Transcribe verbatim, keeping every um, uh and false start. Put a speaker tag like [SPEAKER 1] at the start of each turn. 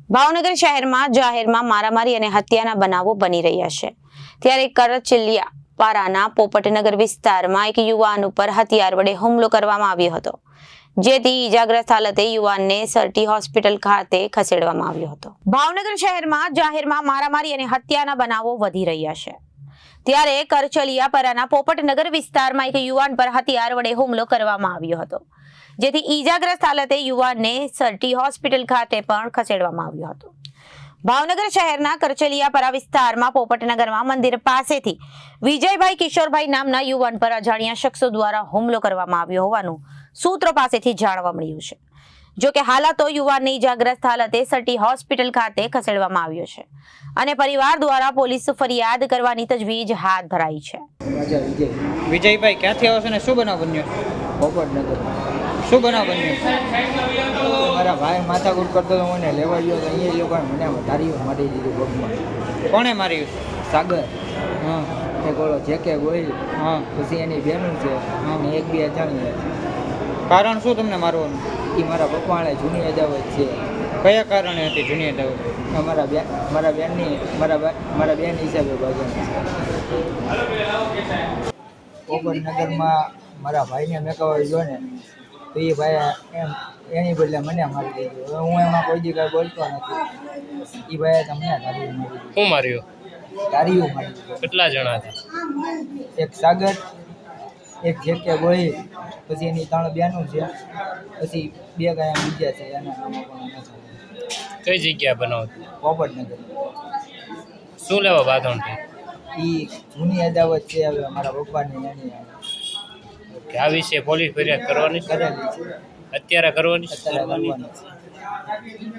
[SPEAKER 1] ભાવનગર શહેરમાં જાહેરમાં મારામારી અને હત્યાના બનાવો બની રહ્યા છે। ત્યારે કરચલિયા પારાના પોપટનગર વિસ્તારમાં એક યુવાન ઉપર હથિયાર વડે હુમલો કરવામાં આવ્યો હતો, જેથી ઈજાગ્રસ્ત હાલતે યુવાનને સરટી હોસ્પિટલ ખાતે ખસેડવામાં આવ્યો હતો। ભાવનગર શહેરમાં જાહેરમાં મારામારી અને હત્યાના બનાવો વધી રહ્યા છે। ત્યારે કરચલિયા પારાના પોપટનગર વિસ્તારમાં એક યુવાન પર હથિયાર વડે હુમલો કરવામાં આવ્યો હતો, જેથી ઈજાગ્રસ્ત હાલતે યુવાનને સરટી હોસ્પિટલ ખાતે પણ ખસેડવામાં આવ્યો હતો। ભાવનગર શહેરના કરચલિયાપરા વિસ્તારમાં પોપટનગરમાં મંદિર પાસેથી વિજયભાઈ કિશોરભાઈ નામના યુવાન પર અજાણ્યા શખ્સો દ્વારા હુમલો કરવામાં આવ્યો હોવાનું સૂત્રો પાસેથી જાણવા મળ્યું છે। જો કે હાલાતો યુવાનને ઈજાગ્રસ્ત હાલતે સરટી હોસ્પિટલ ખાતે ખસેડવામાં આવ્યો છે અને પરિવાર દ્વારા પોલીસ ફરિયાદ કરવાની તજવીજ હાથ ધરાઈ છે।
[SPEAKER 2] વિજયભાઈ ક્યાંથી આવો છો ને શું બનાવ બન્યો?
[SPEAKER 3] પોપટનગર
[SPEAKER 2] શું બનાવ બન્યો?
[SPEAKER 3] મારા ભાઈ માથાકૂટ કરતો તો મને લેવા ગયો તો અહીંયા એ લોકોએ મને ધારીઓ મારી દીધું પગમાં।
[SPEAKER 2] કોણે માર્યું?
[SPEAKER 3] સાગર
[SPEAKER 2] હા
[SPEAKER 3] એક ઓલો જે કે ગોહિલ,
[SPEAKER 2] હા
[SPEAKER 3] પછી એની બહેનું છે અને એક બે અજાણી
[SPEAKER 2] કારણ શું તમને મારવાનું?
[SPEAKER 3] એ મારા પપ્પાને જૂની અદાવત છે।
[SPEAKER 2] કયા કારણે હતી જૂની અદાવત?
[SPEAKER 3] મારા બેન મારા બેનની મારા બા- મારા બેન હિસાબે બાજુની છે। પોપટનગરમાં મારા ભાઈને મેં કહેવાય ગયો ને તો એ ભાઈ એમ એની બદલે મને મારી દીધું। હવે હું એમાં કોઈ દી કાંઈ બોલતો નથી। એ ભાઈએ તમને ધારીઓ મારી દીધું।
[SPEAKER 4] શું માર્યું?
[SPEAKER 3] ધારીઓ મારી દીધું।
[SPEAKER 4] કેટલા જણા હતા?
[SPEAKER 3] એક સાગર, એક જે કે ગોહિલ, પછી એની ત્રણ બેનું છે, પછી બે ગાયા બીજા છે એના નામો પણ નથી।
[SPEAKER 4] કઈ જગ્યા બનાવતી?
[SPEAKER 3] પોપટનગર
[SPEAKER 4] શું લેવા બાંધણ થઈ?
[SPEAKER 3] એ જૂની અદાવત છે હવે મારા પપ્પાની એની
[SPEAKER 4] કે આ વિશે પોલીસ ફરિયાદ કરવાની છે?
[SPEAKER 3] કરેલી છે,
[SPEAKER 4] અત્યારે કરવાની છે?
[SPEAKER 3] અત્યારે કરવાની છે।